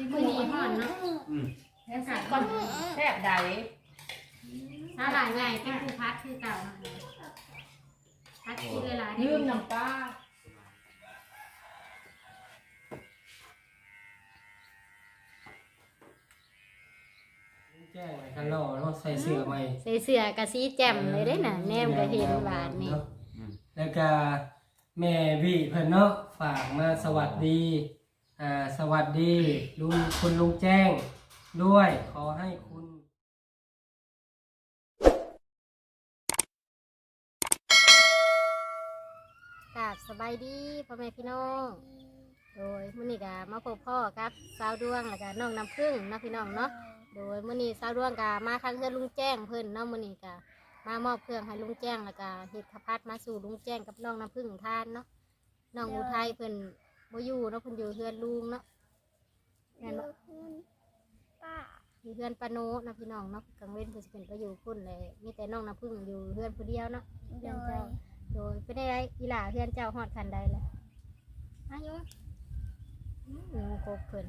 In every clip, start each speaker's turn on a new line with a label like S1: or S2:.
S1: มือนี้ห่อนเนาะแค่กัดก่อนแซ่บใดถ้าหลายไงเป็นผู้พัดคือเก่าพัดกินหลายๆ
S2: ลืมน้ำปลาแจ้งไว้กันรอแล้วใส่เสื้อใหม่
S1: ใส่เสื้อกะสีแจ่มเลยได้น่ะแนมก็เห็นบาดนี่
S2: แล้วก็แม่วิเพิ่นเนาะฝากมาสวัสดีสวัสดีคุณลุงแจ้งด้วยขอให้คุณ
S1: กราบสบายดีพ่อแม่พี่น้องโดยมื้อนี้ก็มาพบพ่อครับสาวดวงแล้วก็น้องน้ำผึ้งเนาะพี่น้องเนาะโดยมื้อนี้สาวดวงก็มาทางเฮือนลุงแจ้งเพิ่นเนาะมื้อนี้ก็มามอบเครื่องให้ลุงแจ้งแล้วก็เฮ็ดข้าวผัดมาสู่ลุงแจ้งกับน้องน้ำผึ้งทานเนาะน้องอุทัยเพิ่นบ่อยู่เนาะเพิ่นอยู่เฮือนลุงเนาะแม่นบ่อยู่เฮือนปาโนนะพี่น้องเนาะกลางเว้นเพิ่นสิเป็นไปอยู่พุ่นเลยมีแต่น้องน้ำผึ้งอยู่เฮือนผู้เดียวเนาะเฮือนเจ้าโดยเป็นได้อีหล่าเฮือนเจ้าฮอดคันใดแล้วอายุโคกเพิ่น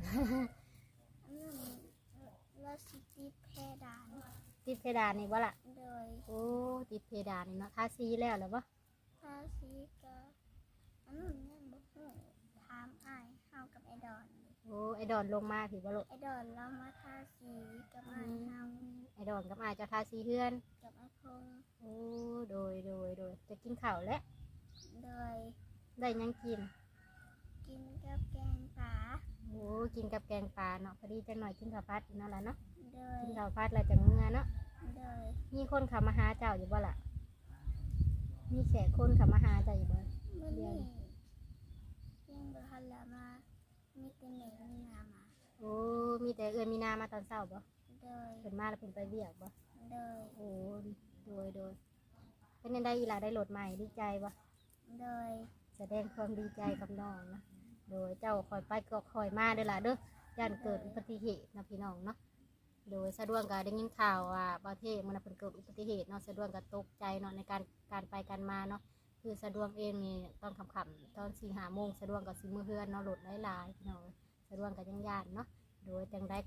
S3: ว่าสิติดเพดาน
S1: ติดเพดานนี่บ่ล่ะ
S3: โดย
S1: โอ้ติดเพดานนี่เนาะทาสีแล้วเหรอบ่
S3: ทาสีก็ยังบ่ฮู้ถามอ้ายเฮากับไอ้ดอน
S1: โอ้ไอ้ดอนลงมาผิดบ่ลูก
S3: ไอ้ดอนเรามาทาสีกับอ้ายเฮา
S1: ไอ้ดอนกับอ้ายจะทาสีเฮือน
S3: กับไอ้พง
S1: โอ้โดยจะกินข้าวแล้ว
S3: โดย
S1: ได้ยังกิน
S3: กับแกงป่า
S1: โอ้กินกับแกงปลาเนาะพอดีจังหน่อยกินข้าวผัดอีกเนาะล่ะเนาะ
S3: โดย
S1: กินข้าวผัดแล้วจังเมื่อเนาะ
S3: โดย
S1: มีคนเข้ามาหาเจ้าอยู่บ่ล่ะมีแขกคนเข้ามาหาเจ้าอยู่บ่
S3: มื้อนี้ยังบ่ทันละมามีแต่แม่มีนามา
S1: โอ้มีแต่มีนามาตอนเช้าบ่
S3: โดย
S1: เพิ่นมาแล้วเพิ่นไปเวียกบ่
S3: โดย
S1: โอ้โดยเป็นยังได้อีหล่าได้รถใหม่ดีใจบ่
S3: โดย
S1: แสดงความดีใจกับน้องนะโดยเจ้าคอยไปก็คอยมาเด้อล่ะเด้อย่านเกิดอุบัติเหตุนะพี่น้องเนาะโดยสะดวกก็ได้ยินข่าวว่าประเทศมันเพิ่นเกิดอุบัติเหตุเนาะสะดวกก็ตกใจเนาะในการไปกันมาเนาะคือสะดวกเองนี่ตอนค่ำๆตอน 4-5 โมงสะดวกก็สิมื้อเฮือนเนาะรถหลายๆพี่น้องสะดวกก็ยังย่านเนาะโดยจังได้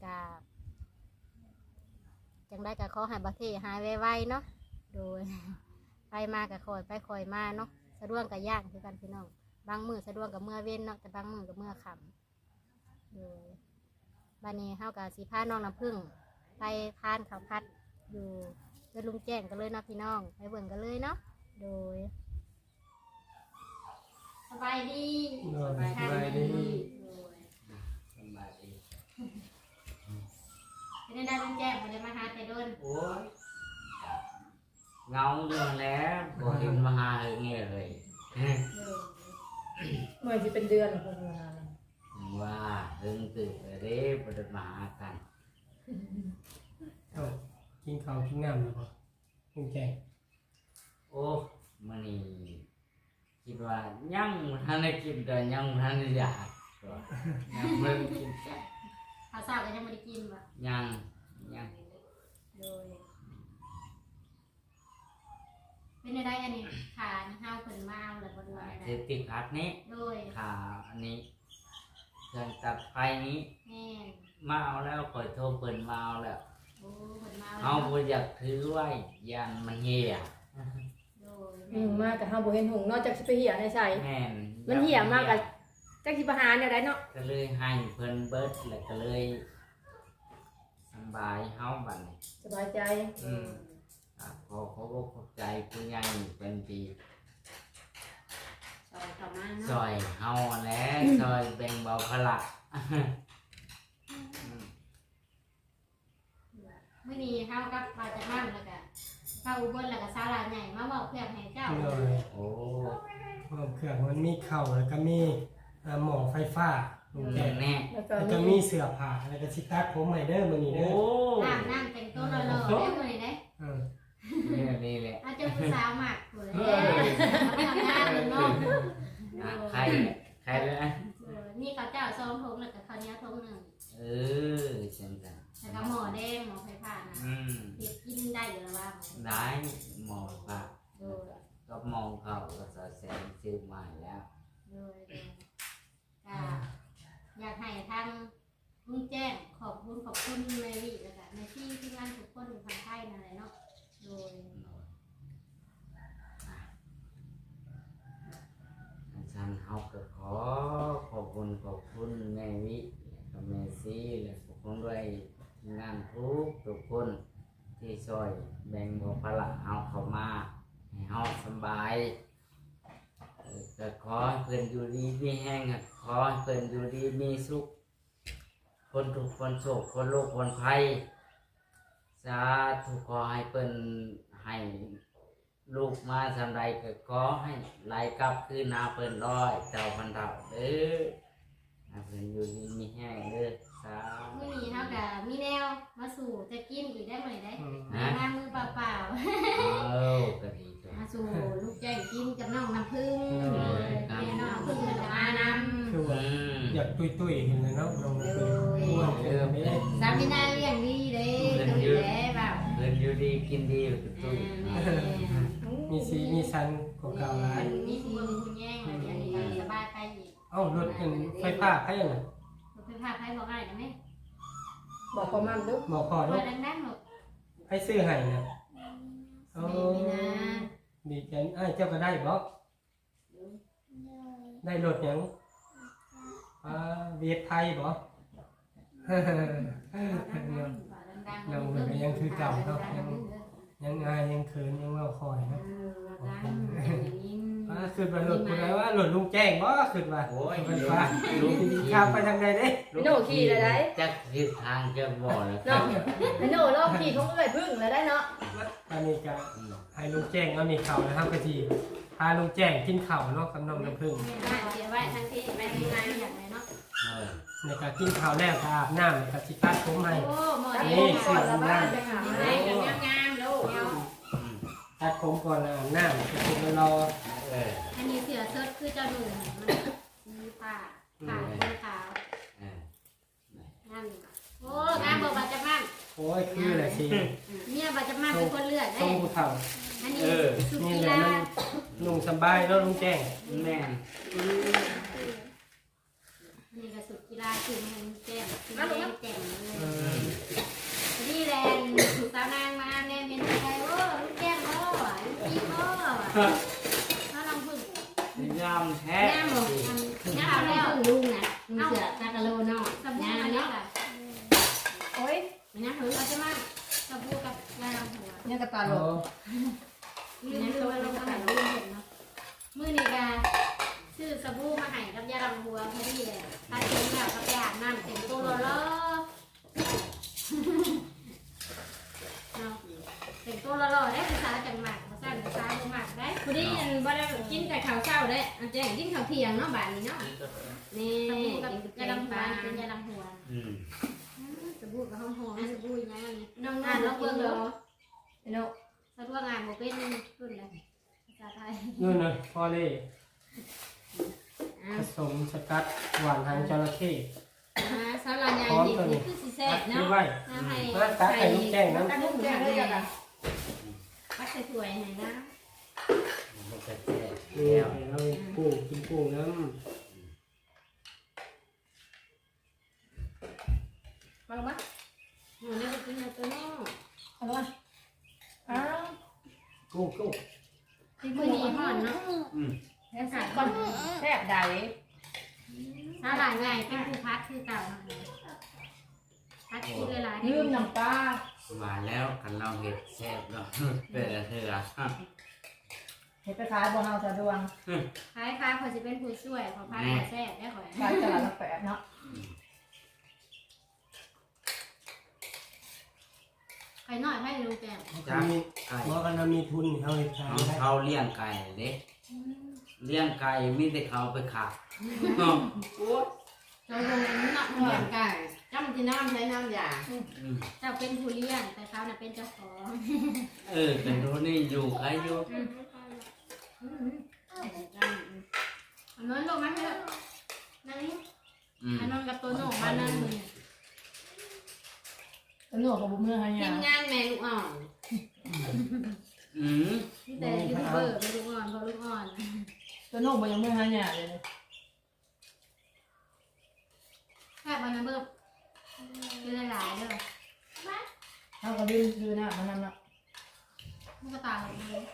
S1: ก็ขอให้ประเทศหายไวๆเนาะโดยไปมาก็คอยไปคอยมาเนาะสะดวกก็ย่านคือกันพี่น้องบางมื้อสะดวกกับเมื่อเว้นเนาะแต่บางมื้อกับเมื่อค่ำโดยบัดนี้เฮาก็สิพาน้องน้ำผึ้งไปทานข้าวผัดอยู่เดินลุงแจ้งกันเลยเนาะพี่น้องไปเบิ่งกันเลยเนาะโดยสบายดี
S2: สบายดี
S1: เป็นได้ลุงแจ้งบ่ได้มาหาแต่โดน
S4: โอ้ยเงาอยู่แล้วบ่เห็นมาหาเงี้ยเลย
S2: เมื่อที่เป็นเดือนคนงาน
S4: ว่าถึงตื่นเด้บ่ได้มาหากัน
S2: กินข้าวกินน้ำหรือเปล่าลุงแจ้ง
S4: โอ้มื้อนี้คิดว่ายังทันได้กินแต่ยังทันได้อยากยังบ่ได้กิน
S1: ข้าวเช้าก็ยังบ่ได้กินบ่
S4: ยัง
S1: โดยเป็นได้อันนี้ขานี่ห้าวเพิ่นมาเอาแล้วบ่ดูได้
S4: เสติพัดนี้
S1: โดย
S4: ขาอันนี้เครื่องตัดไฟนี้
S1: แม่น
S4: มาเอาแล้วข่อยโทรเพิ่นมาเอาแล้ว
S1: โอ้เพิ่นมา
S4: เอาบ่อยากถือไว้ยันมันเหี่ย
S1: โดย
S2: มาแต่เฮาบ่เห็นหงนอกจากสิไปเหี่ยในใส่
S4: แม่น
S2: มันเหี่ยมากก็จักสิไปหาแนวใดเนาะ
S4: ก็เลยให้เพิ่นเบิดแล้วก็เลยสบายเฮาบัดนี้
S2: สบายใจ
S4: ขอขอบใจผู้ใหญ่เป็นปีซอยเฮาแล้วซอยแบ่งเบาภาระ
S1: มื้อนี้เฮากับว่าจะมั่นแล้วก็เข้าอุบลแล้วก็ศาลาใหญ่มาเว้าเพื่อให้เจ้า
S4: โอ้
S2: เครื่องมันมีเข่าแล้วก็มีหม้อไฟฟ้า
S4: แน่
S2: แล้วก็มีเสื้อผ้าแล้วก็สิตัดผมใหม่เด้อมื้อนี้เด้อ
S1: น้ำแต่งตัวหล่อๆเด้อมื้อนี้เด้
S4: นี่แหละ
S1: อาจจะผู้สาวมากพุ่นทำงานเนาะ
S4: ใครเลย
S1: นี่ข้าวเจ้า2 ถุงแล้วก็ข้าวเหนียวถุงนึง
S4: เช่นกัน
S1: แล้วก็หม้อแดงหม้อไฟฟ้านะเฮ็ดกินได้อยู่แล้วว่า
S4: ได้หม้อผักก็มองเขาก็สะแสงซื้อมาแล้ว
S1: ก็อยากให้ทางลุงลุงแจ้งขอบคุณแมรี่แล้วก็ในที่งานทุกคนอยู่ทางไทยนั่นแหละเนาะโดย
S4: ฉันเฮาก็ขอขอบคุณแม่วิกับแม่ซีและขอบคุณด้วยทีมงานทุกคนที่ช่วยแบ่งเบาภาระเฮาเข้ามาให้เฮาสบายก็ขอให้เพิ่นอยู่ดีมีแห้งขอให้เพิ่นอยู่ดีมีสุขคนทุกคนโศกคนโรคคนภัยสาธุขอให้เพิ่นให้ลูกมาทำไรก็ขอให้ไล่กลับคืนนาเพิ่นร้อยเจ้าพันเท่าเด้อให้เพิ่นอยู่ดีมีแห้งเด้อสาธุ
S1: มื้อนี้เฮาก็มีแนวมาสู่จะกินอีกได้มื้อได้
S4: ฮะ
S1: งานมือเปล่า
S4: เอาก็ดีจ้ะ
S1: ๆมาสู่ลูกแจ้งกินกับน้องน้ำผึ้งแม่น้องน้ำผึ้งจะมานำ
S2: คือว่าอยากตุ้ยๆเห็นเลยเนาะลงไปอ้วนเออไม่ได้
S1: สามีนาเลี้ยงดีเด้ตรงนี้แหละแบบ
S4: เพิ่นอยู่ดีกินดีแล้วก็ตุ้ย
S2: มีสีมีสันของเก่าหลาย
S1: มีคุณลุงคุณแย่งอะไรอย่างนี้สบายไปอีก
S2: เอ้ารถเป็นไฟฟ้าให้น่ะ
S1: รถไฟฟ้าใครบอกง่ายนะแม่
S5: บอกประมาณลูก
S2: บอกพอ
S1: เปิ
S2: เนาะ
S1: ดดังๆหรอก
S2: ให้ซื้อให้น่ะ
S1: สมัยนี้นะ
S2: ดีใจอ้ายเจ้าก็ได้บ่
S3: เลย
S2: ได้รถหยังเวียดไทยบ่ ยังเหมือนยังคือเก่าเนาะยังอายยังเขินยังเว่าคอยนะขึ้นมารถคนไหนว่ารถลุงแจ้งบ่ขึ้นมา
S4: โอ้ย
S2: ไฟฟ้าลุงข้ามไปทางใดเด้
S5: ไอ้โน่ขี่เลยได้
S4: จักทิศทางจะบ่แล้วครั
S5: เนาะ
S4: บ
S5: ไอ้โน่รอบขี่ของเอ้ยพึ่งเลยได้เนาะ
S2: ตอนนี้ก็ให้ลุงแจ้งเอานี่เข่านะครับกะทีพาลุงแจ้งกินเข่าวเนาะกับน้องน้ำผึ้ง
S1: เสียไว้ทั้งที่แม่ที่งานอย่างไรเนาะ
S4: เออ
S2: ในการกินข้าวแล้วก็อาบน้ำแล้วก็สิตัดผมให้
S1: โอ้หมด
S2: นี่
S1: นี่
S2: สิ
S5: ก่อนละบ้านไปหา
S1: ไหนกันงามๆลูก
S4: อืม
S2: ตัดผมก่อนแล้วอาบน้ำก็คือรอ
S4: เออ
S1: อันนี้เสือเซิร์ชคือเจ้าหนุ่มมันมีผ้าสีขาว
S4: เออ
S1: นั่นโอ้งามบอกบาจะมั่น
S2: โอ้ยคืออะไรสิ
S1: เนี่ยบาจะมั่นเป็นคนเลือด
S2: ทร
S1: ได้
S2: งผู้เฒ่า
S1: อันนี้สุ
S2: นี่
S1: กี
S2: แหละ
S1: ฬา
S2: มันลุงสบายเนาะลุงแจ้ง
S4: แม่น
S1: นี่ก็สุกีฬาคือมันแจ่มแจ่ม
S2: เออ
S1: นี่แหละสาวนางมาแน่เป็นใครโอ้ลูกแก้มโอ้ลูกพี่โอ้ถ้าลองพึ่ง
S4: ยามแท้
S1: แง่หมดแง่เอาแล้วลุงน่ะลุงเสือตากะโลเนาะสบู่อันนี้ค่ะ
S5: โอ้ย
S1: นะถือเอาจะมาสบู่กับยาล้างหัว
S5: เนี่ยกระตาหล
S2: โอ้
S5: บ
S1: นี่ตัวลงอาหารลุงเห็นเนาะมื้อนี้ก็ซื้อสบู่มาให้กับยาล้างหัวพอดีเลยถ้าเต็มแล้วก็ไปอาบน้ำเต็มตัวแล้วเนาะเต็มตัวแล้วได้ภาษาจังหวัดภาษาภาษาจังหวัดได้พอดีอันบ่ได้กินแต่ข้าวเช้าได้อันแจ้งกินข้าวเที่ยงเนาะบ้านนี้เนาะนี่สบู่กับยาล้างหัวเป็นยาล้างหัว
S4: อืม
S1: สบู่กับห้องหอมสบู่ยังไงน้องๆแล้วเบิ่งเหรอ
S5: ไอ้โน่
S1: สะดวกงานบ่เป็นรุ่นเลยภาษาไทย
S2: นู่นน่ะพอเลยผสมสกัดหวานทางจระเข้
S1: สาวลาใหญ่นี่คือสิแซ่บ
S2: นี่
S1: เนาะ
S2: ไว้
S1: น้ำให้
S2: มาตักให้ลุงแจ้งนะ
S5: ตั้งลูกแจ้งเลยจ้ะค่ะ
S1: ปักใส่ถ้วยให้นะ
S4: มันจะแท้
S2: นี่
S4: แล้ว
S2: ให้เรากุ้งกินกุ้งน้
S5: มาลงมา
S1: หนูได้ไปกินตัวน้อง
S5: เอาลงมาอ้าว
S2: ำกุ้ง
S1: มื้อนี้ฮ้อนเนาะ
S4: อืม
S5: แซ่บก่อนแซ่บใด
S1: สาวลาใหญ่เป็นผู้พัดคือเก่าพัดกินหลายๆ
S5: ลืมน้ำปลา
S4: มาแล้วกันเราเห็ดแซ่บเนาะเป็นอะไรล่ะ
S5: เห็ดไปขายบัวเฮาสะดวง
S1: คล้ายๆเขาสิเป็นผู้ช่วยเขาพัดแซ่บได้ข่อย
S5: ขายตลาดละแปดเนาะ
S1: ใครน้อยให้ลุงแก้ม
S2: จ้ามี
S4: ไก่
S2: บอกกันเรามีทุนเขาเห็ดขายได้
S4: เขาเลี้ยงไก่เด้เลี้ยงไก่มีแต่เขาไปขาเนาะ
S1: เราลงน้ำเหมือนกัน
S5: จ้ำที่น้ำใช้น้ำยา
S4: อืม
S1: เจ้าเป็นผู้เลี้ยงแต่เขาน่ะเป็นเจ้าของ
S4: เออเป็นรู้นี่อยู่ใครอยู่
S1: อันนั้นลงมาเถอะนั่งนี่
S4: อืม
S1: อันนั้นกับตัวโหน่มานั่งมึง
S5: ตัวโน่กับบุ้มเนื้อให้
S1: ที
S5: ยาม
S1: งานแม่ลูกอ่อน
S4: อืม
S1: แต่ยูทูบเบอร์เป็นลูกอ่อนเพราะลูกอ่อน
S5: ตัวโน่บ่ยังไม่ให้ยาเลย
S1: แค่วันนั้นเบิ่มคือหลายๆเด้อ
S5: เขาก็ดื้อนะมันนั่นเนาะ
S1: มันก็ต่างกันเลย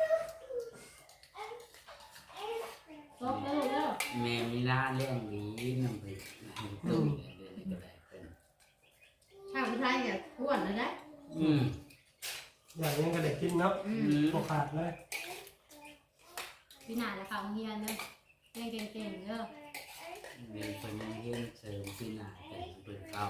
S1: ซบแล้วเด้อ
S4: แม่มีร้านเลี้ยงหวีน้ำพริกตุ้มเดือนนี้ก็ได้เป็น
S5: ข้าวผู้ชายเนี่ยอ้วนเลยนะ
S2: อย่างนี้ก็ได้กินเนาะโอขาดเลย
S1: พี่หนาจะเข้าโรงเรียนเด้อเรียนเก่งๆเด้อ
S4: แม่เป็นยังเรียนเสริมปีหน้าเป็นเปิดเข้า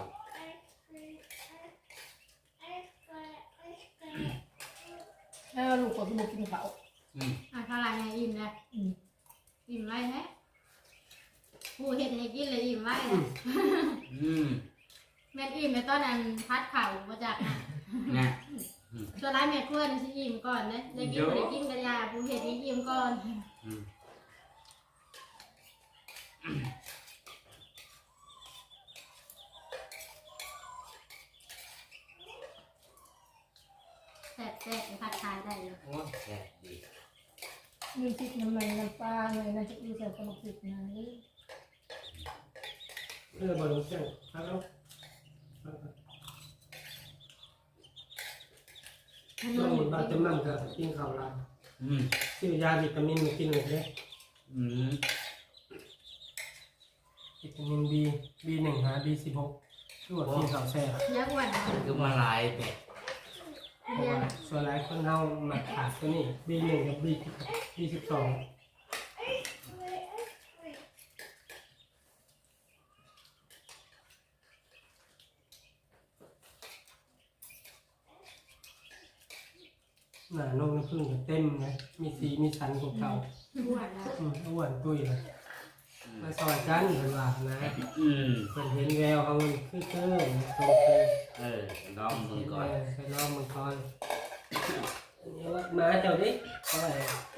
S5: แล้วลูกคนที่บุกกินเขา
S1: เท่าไหร่ไงอิ่มเลยอิ่มไรแท้ผู้เห็ดให้กินเลยอิ่มไรเลย แม่อิ่มในตอนนั้นพัดเข่ามาจากน่ะ
S4: นะ
S1: ตัวร้ายแม่ครัวนี่สิอิ่มก่อนเลยได้กินบ่ได้กินกระยาผู้เห็ดให้อิ่มก่อนแซ่บๆพัดทายได้เลย
S4: โอ้แซ่บดี
S5: มีพริกน้ำมันน้ำปลาเลยนะจะอยู่ใส่กระบอกพริกนะนี่
S2: บอลลูนเส้นครับแล้วช่วงนี้บาดจำนำกับกินข้าวลายซื้อยาวิตามินมากินเลยเด้วิตามิน B1 หา B16 ช่วยกินข้าวแซ่บ
S1: ยักษ์วัน
S4: คือมาลายเป็ด
S2: เพราะว่าส่วนหลายคนเฮามาขาดตัวนี้ B1 กับ B12 หน้านกน้ำผึ้งเต็มเลยมีสีมีสันของเขา
S1: อ้วนแล้ว
S2: อ้วนตุ้ยเลยมาซอยกันเพิ่นว่านะเพิ่นเห็นแววเขามันคือตรงคือ
S4: ลองมึงก่อน
S2: ไปลองมันก่อนนี่ว่ามาเจ้าดิเอาไว้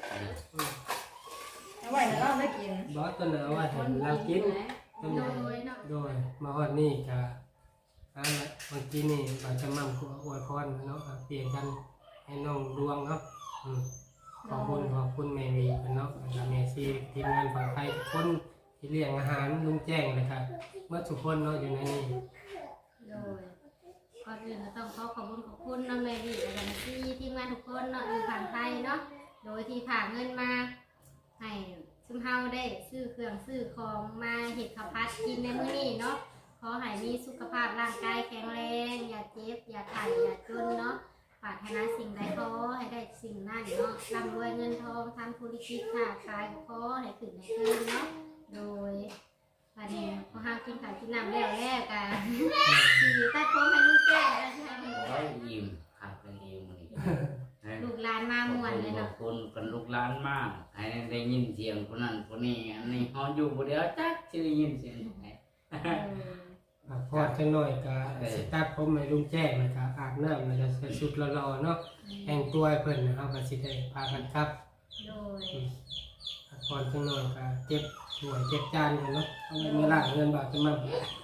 S5: เอาไว้แล้วเราได้กิน
S2: บอสตัวน่ะเอาไว้ให้เรากินตัว
S1: โด
S2: นี้
S1: ยเนาะ
S2: โดยมาฮอดนี่ก็เมื่อกี้นี่บาจะมั่มขอวยพรเนาะเปลี่ยนกันให้น้องดวงเนาะขอบคุณแม่วีเนาะแม่ซีทีมงานฝั่งไทยทุกคนที่เลี้ยงอาหารลุงแจ้งเลยครับเมื่อทุกคนเนาะอยู่ในนี้
S1: โดยก่อนอื่นก็ต้องขอบคุณน้องแมรี่และกันที่ทีมงานทุกคนเนาะอยู่ฝั่งไทยเนาะโดยที่ผ่าเงินมาให้ซุมเฮาได้ซื้อเครื่องซื้อของมาเห็ดข้าวผัดกินในมื้อนี้เนาะขอให้มีสุขภาพร่างกายแข็งแรงอย่าเจ็บอย่าไข้อย่าจนเนาะปรารถนาสิ่งใดขอให้ได้สิ่งนั้นเนาะร่ำรวยเงินทองทำธุรกิจค้าขายขอให้ขึ้นให้เกินเนาะโดยวันนี้พอห้ามกินข้าวกินน้ำแล้วกันที่ตัดผมให้ลูกแก้นะคะ
S4: โอ้ยยิ้มขาดกันยิ้มเลย
S1: ลูกหลานมาม่วนเลย
S4: ขอ
S1: เนาะ
S4: บคุณกันลูกหลานมากให้ได้ยินเสียงคนนั้นคนนี้อันนี้เขาอยู่คนเดียวจักจะได้ยินเสียงไหน
S2: พอดจังหน่อยก็สตาร์ทผมให้ลุงแจ้งนะครับอาบน้ำแล้วก็ใส่ชุดรอๆเนาะแต่งตัวให้เพิ่นนะครับก็สิได้พากันครับ
S1: โดย
S2: พอดจังหน่อยก็เจ็บหัวเจ็บจานกันเนาะเอาเงินล้างเงินบาทจะมั่ม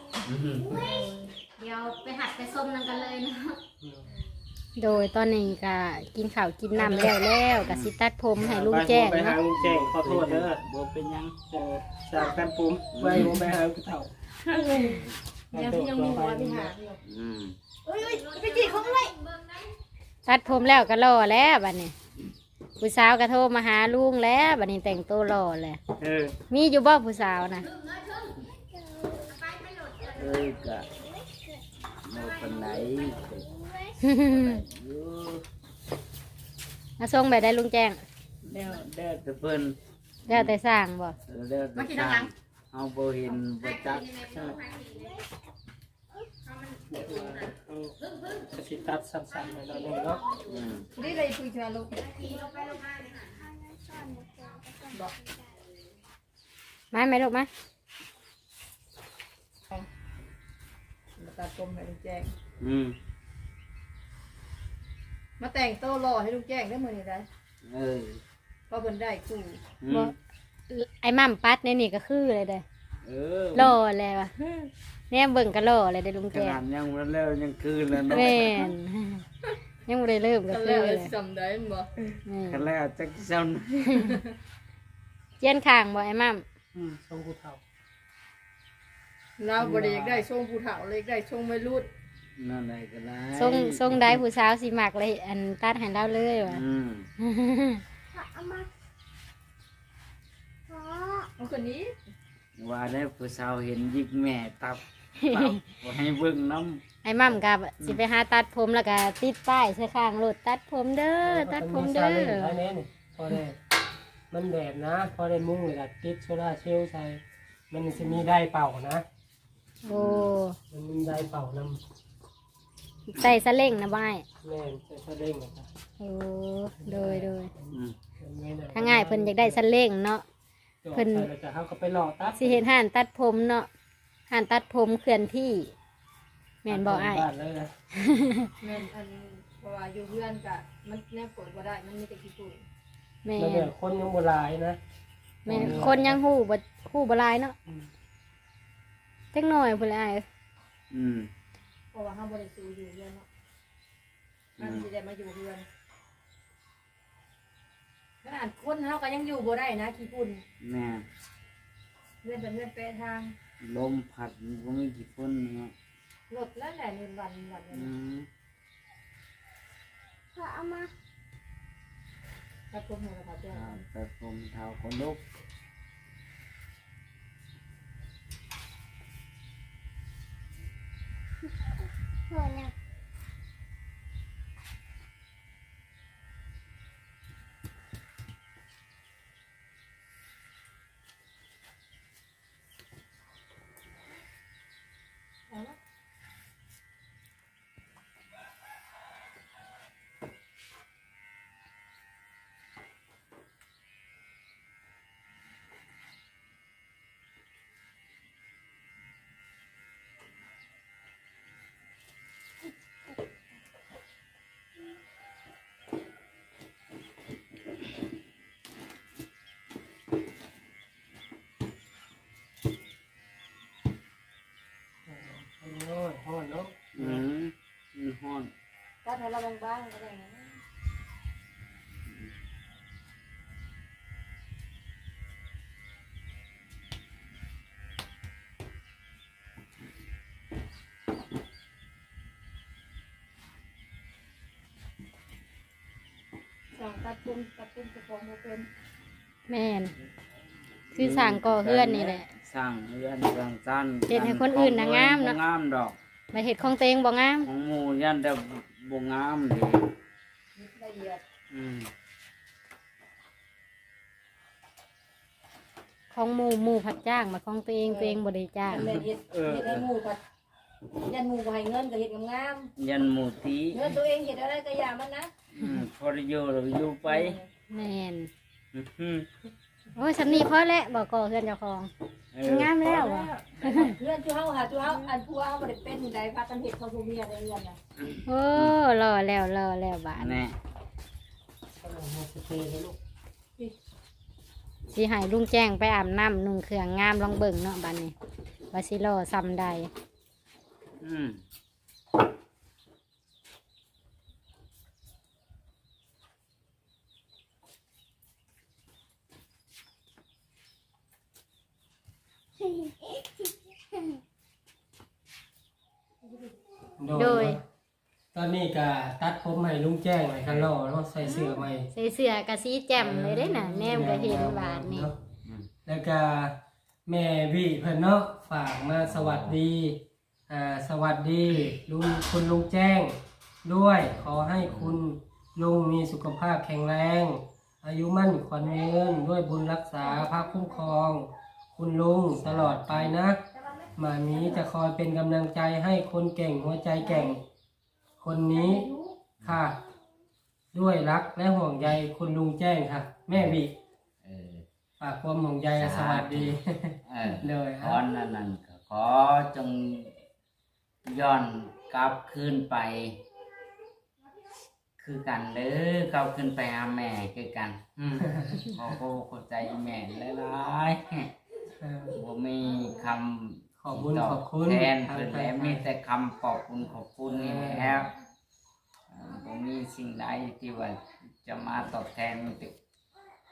S1: เดี๋ยวไปหัดไปส้มนั่นกันเลยเนาะโดยตอนนี้ก็กินข้าวกินน้ำแล้วก็สิตัดผมให้ลุงแจ้ง
S2: ไปหา
S1: เนาะ
S2: ลุงแจ้งขอโทษเด้อ
S4: บ่เป็นยัง
S2: สร้างกันปุ่มไว้ผมไปหาผู้เฒ่า
S5: ยังมีหัวมีหาง
S3: ไปจีเขาเลย
S1: ตัดผมแล้วก็รอแล้วบัดนี้ผู้สาวก็โทรมาหาลุงแล้วบัดนี้แต่งตัวรอเลยมีอยู่บ่ผู้สาวนะ
S4: กะโมเป็นไหน
S1: มาส่งไปได้ลุงแจ้ง
S4: เด้อแต่เพิ่น
S1: แล้วแต่สร้างบ่
S4: เด้อแต่สร้างเอาบ่เห็นบ่จัก
S2: สิตัดสั้นๆไปแล้วเนาะ
S5: นี่เลยคุยชาลูก
S1: มาไหมลูกมา
S5: มาตัดผมให้ลูกแจ้ง
S4: อืม
S5: มาแต่งโต๊ะรอให้ลูกแจ้งได้มื้อนี้ได้
S4: เออ
S5: เพราะเพิ่นได้คู่
S1: บ่ไอ้มั่มปัดในนี่ก็คือเลยเด้
S4: เออ
S1: รอแล้วว่ะแน่เบิ่งก็รอเลยได้ลุง
S4: ข
S1: แจ้ง
S4: นาดยังบ่แล้วยังคืนแล้วเนาะ
S1: แม่นยังบ่ได้เริ่มก็
S5: กัน
S1: คื
S5: แล้
S1: อ
S5: ว
S1: เลย
S5: จำได้บ่
S4: คันแล้วจักเจ้า
S1: เจียนข้างบ่ไอ้มั่ม
S2: ทรงผู้เฒ่า
S5: เราบ่ได้อยากได้ทรงผู้เฒ่าเลยอยากได้ทรงวัยรุ่น
S4: นั่นใดก็ได้
S1: ทรงได้ผู้สาวสิมักเลยอันตัดให้เราเลยว่ะ
S3: เอามาขอ
S5: เอาคนนี้
S4: ว่าได้ผู้สาวเห็นยิกแม่ตับตับบ่ให้เบิ่งน้ำ
S1: ไอ้มั่มกับสิไปหาตัดผมแล้วก็ติดป้ายใส่ข้างรถตัดผมเด้อตัดผมเด้อ
S2: ไอ้แน่นี่พอได้มันแดดนะพอได้มุ้งเลยก็ติดโซล่าร์เซลล์ใส่มันจะมีได้เป่านะ
S1: โอ้
S2: มันมีได้เป่านำ
S1: ใส่สะเล่งนะบ่าย
S2: แม่นใส่สะเด้งนะครับ
S1: โอ้โดย
S4: อืม
S1: ถ้าง่ายเพิ่นอยากได้สะเล่งเนาะ
S2: เพิ่นจะเขาก็ไปหล่อตัด
S1: สิเห็นห่านตัดผมเนาะห่านตัดผมเคลื่อนที่แม่นบ่อ้าย
S2: บ้านเลยนะ
S5: แม่นอันเพราะว่าอยู่เพื่อนก็มันแนบกดบ่ได้มันมีแต่ขี้ฝุ่น
S1: แม่
S2: แล้วเนี่ยคนยังโบราณนะ
S1: แม่คนยังฮู้บ่หลายเนาะจักหน่อยพุ่นแหละอ้าย
S4: อืม
S5: เพราะว่าเฮาบ่ได้สู่อยู่เพื่อนเนาะมันสิได้มาอยู่เพื่อนขนาดคนเฮาก็ยังอยู่บ่ได้นะขี้ฝุ่น
S4: แม่
S5: เพื่อนเป็นเพื่อนแปรทาง
S4: ลมพัดมันก็มีกี่ฝนเนาะ
S5: รถแล้วแหละเงินวัน
S4: อืม
S3: ขอเอามา
S5: ตัดผมให้เราเจ้า
S4: แต่ผมเท้าคนลุก
S3: ขอเนี่ย
S2: โอ้ยฮ้อนเนาะ
S4: อืมมันฮ้อน
S5: ตัดให้เราบางๆก็ได้นะ สั่งตัดปุ่มจะฟ้องบ่เป็น
S1: แม่นคือสั่งก่อเฮือนนี่แหละ
S4: สร้างเรือนสร้างจัน
S1: เฮ็ดให้คนอื่นน่ะงามเนาะ
S4: บ่งามดอก
S1: มาเฮ็ดของตัวเองบ่งาม
S4: ของหมู่ยันแต่บ่งามเด้
S5: ละเอียด
S4: อืม
S1: ของหมู่ผัดจ้างมาของตัวเองบ่ได้จ้าง
S5: แม่เฮ็ดให้หมู่ก็ยันหมู่บ่ให้เงินก็เฮ็ดงาม
S4: ยันหมู่ตี
S5: ๆเงินตัวเองเฮ็ดอะไรก็อย่ามันนะ
S4: พอได้อยู่เราอยู่ไป
S1: แม่น
S4: อืม
S1: โอ้ยสำนีพอแล้วบ่ก่อเฮือนเจ้าของ
S4: เออง
S1: ามแล้วอ่ะ
S5: เงินจุเฮาหาจุเฮาอันผัวเฮาบ่ได้เป็นใดพากันเฮ็ดเขาผู้เมียได้เงินน่ะ
S1: โอ้รอแล้วบาด
S4: แน่
S2: กำลังมาสเตย์เลยลูก
S1: สิให้ลุงแจ้งไปอาบน้ำนุ่งเครื่องงามลองเบิ่งเนาะบัดนี้ว่าสิรอซ้ำใด
S4: อืม
S1: โดย
S2: ตอนนี้ก็ตัดผมให้ลุงแจ้งไว้คันรอเนาะใส่เสื้อใหม่
S1: ใส่เสื้อกะสีแจ่มเลยเด้น่ะแนมก็เห็นบาดนี่
S2: แล้วก็แม่วิเพิ่นเนาะฝากมาสวัสดีสวัสดีคุณลุงแจ้งด้วย ขอให้คุณลุงมีสุขภาพแข็งแรง อายุมั่นขวัญยืนด้วยบุญรักษาพระคุ้มครอง คุณลุงตลอดไปนะหมามีจะคอยเป็นกำลังใจให้คนเก่งหัวใจแกร่ง คนนี้ค่ะ ด้วยรักและห่วงใยคุณลุงแจ้งค่ะ แม่วิ
S4: เออ
S2: ฝากความห่วงใยและสวัสดี
S4: เออ
S2: เลย
S4: ขอนั่นก็ขอจงย้อนกลับคืนไป คือกันเด้อกลับคืนไปหาแม่คือกันขอเข้าใจแม่หลายๆผมมีคำ
S2: ขอบคุณขอบคุณ
S4: แทนเพิ่นแล้วมีแต่คำขอบคุณขอบคุณนี่แหล้วผมมีสิ่งใดที่ว่าจะมาตอบแทนมีแต่ค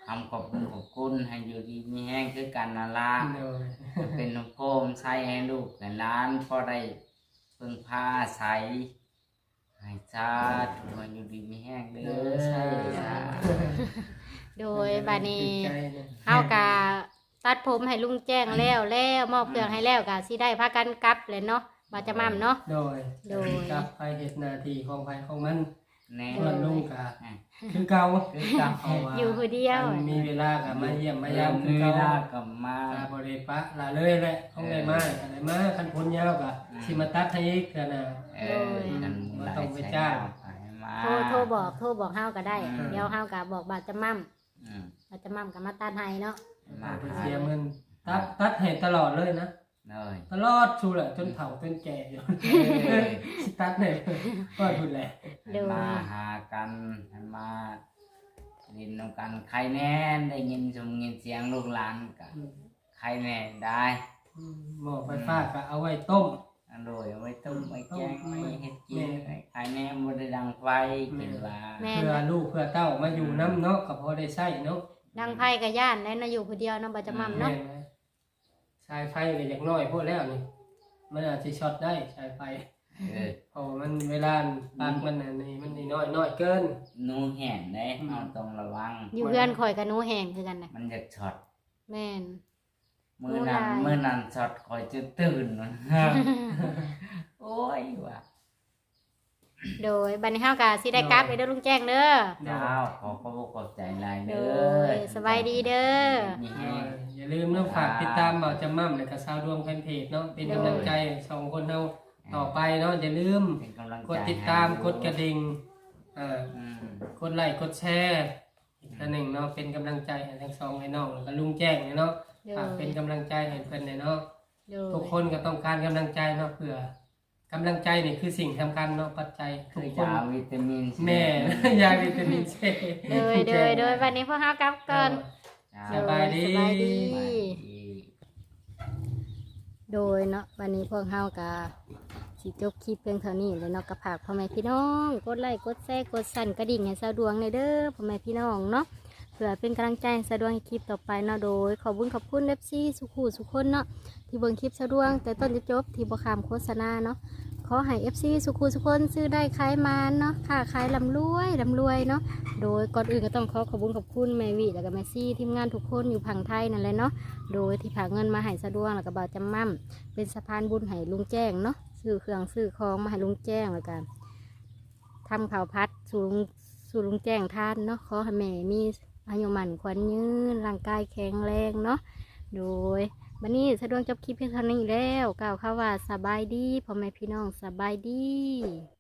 S4: คำขอบคุณให้อยู่ดีมีแห้งคือกันนาละ
S2: โดย
S4: เป็นน้ำโคมใช้ให้ลูกและหล้านพอได้พึ่งพาอาศัยให้ชาติมาอยู่ดีมีแห้งเด้อสาธุ
S1: โดยบัดนี้
S2: ใจเนี่ย
S1: เฮากะตัดผมให้ลุงแจ้งแล้วมอบเครื่องให้แล้วกะสิได้พากันกลับเลยเนาะบ่จะมั่มเนาะ
S2: โดย
S1: โดย
S2: กับไปเฮ็ดหน้าที่ของไผของมัน
S4: แน่
S2: ส่วนลุงก็คือเก่า
S4: คือกับ
S2: เพราะว่า
S1: อยู่ผู้เดียว
S2: มันมีเวลาก็มาเยี่ยมมายาม
S4: มี
S2: คือ
S4: เว
S2: เก่า
S4: ลากับมา
S2: ตาบริปะลาเลยแหละของได้มาได้มาคันพ้นยาวก็สิมาตัดให้อีกก็น่ะ
S4: กัน
S2: บ่ต้องไปจ้าง
S4: มา
S1: โทรบอกเฮาก็ได้ เดี๋ยวเฮาก็บอกบ่าจะมั่ม
S4: อืม
S1: บ่จะมั่มก็มาตัดให้เนาะ
S4: มา
S2: ไปเสียเงินตัดให้ตลอดเลยนะ
S4: เลย
S2: ตลอดชูแหละจนเฒ่าจนแก่อยู่สิตัดให้ก็พูดแหละ
S1: โดย
S4: มาหากันให้มาดินนำกันใครแน่ได้ยินชมยินเสียงลูกหลานกันใครแน่ได้
S2: หม้อไฟฟ้าก็เอาไว้ต้ม
S4: อร่อยเอาไว้ต้มไว้แกงไว้เฮ็ดกินใครแน่บ่ได้ดังไฟกินว่า
S1: แม่
S2: เพื่อลูกเพื่อเต้ามาอยู่น้ำเนาะก็พอได้ใช้เนาะ
S1: ดังไผก็ย่านแล้วนะอยู่ผู้เดียวเนาะบ่จะมั่มเนาะ
S2: แม่นสายไฟก็อย่างน้อยพวกแล้วนี่มันอาจจะช็อตได้สายไฟ
S4: เออ
S2: เพราะมันเวลาปากมันอันนี้มันน้อยเกิน
S4: หนูแห่นได้เอาต้องระวัง
S1: อยู่เพื่อนข่อยกับหนูแห้งคือกันน่ะ
S4: มันจะช็อต
S1: แม่น
S4: มื้อนั้นช็อตคอยจะตื่นมัน โอ้ยว่ะ
S1: โดยบัดนี้เฮาก็สิได้กลับเด้อลุงแจ้งเด้อ
S4: เจ้าขอขอบใจหลาย
S1: โด
S4: เด้อย
S1: สบายดีเด้อ
S4: มีแห้ง
S2: อย่าลืมเนาะฝากติดตามเบาจำมั่มและก็ชาวดวงแฟนเพจเนาะเป็นกำลังใจสองคนเฮาต่อไปเนาะอย่าลืม
S4: เป็นกำลังใจ
S2: กดติดตามกดกระดิ่งอ่า
S4: อืม
S2: กดไลค์กดแชร์อีกอันหนึ่งเนาะเป็นกำลังใจให้ทั้งสองให้น้องแล้วก็ลุงแจ้งเนาะ
S1: โด
S2: ฝาก
S1: ย
S2: เป็นกำลังใจให้เพิ่นเนาะ
S1: โดย
S2: ทุกคนก็ต้องการกำลังใจเนาะเพื่อกำลังใจนี่คือสิ่งสำคัญเนาะปัจจัยทุ
S4: คื
S2: ก
S4: อ
S2: คน
S4: ยาวิตามิน
S2: แม่ ยาวิตามินซี
S1: โดยวันนี้พวกเฮากลับก่อน
S2: สบายดี
S1: สบายดี
S4: สบายดี
S1: โดยเนาะวันนี้พวกเฮาก็สิจบคลิปเพียงเท่านี้เลยเนาะก็ฝากพ่อแม่พี่น้องกดไลค์กดแชร์กดสั่นกระดิ่งให้สะดวงในอยเด้อพ่อแม่พี่น้องเนาะเพื่อเป็นกำลังใจให้สะดวงให้คลิปต่อไปเนาะโดยขอบคุณเอฟซีสุขุสุขคนเนาะที่เบิ่งคลิปสะดวงแต่ต้นจะจบที่บ่ขามโฆษณาเนาะขอให้เอฟซีสุขุสุขคนซื้อได้ขายมานเนาะค่าขายร่ำรวยเนาะโดยก่อนอื่นก็ต้องขอบคุณแม่วิแล้วก็แม่ซี่ทีมงานทุกคนอยู่ผังไทยนั่นแหละเนาะโดยที่ผากเงินมาให้สะดวงแล้วก็บ่าวจำมั่มเป็นสะพานบุญให้ลุงแจ้งเนาะซื้อเครื่องซื้อของมาให้ลุงแจ้งแล้วกันทำข้าวพัดสู่ลุงแจ้งทานเนาะขอให้แม่มีอายุมั่นขวัญยืนร่างกายแข็งแรงเนาะโดยวันนี้สะดวกจบคลิปเพียงเท่านี้แล้วกล่าวคำว่าสบายดีพ่อแม่พี่น้องสบายดี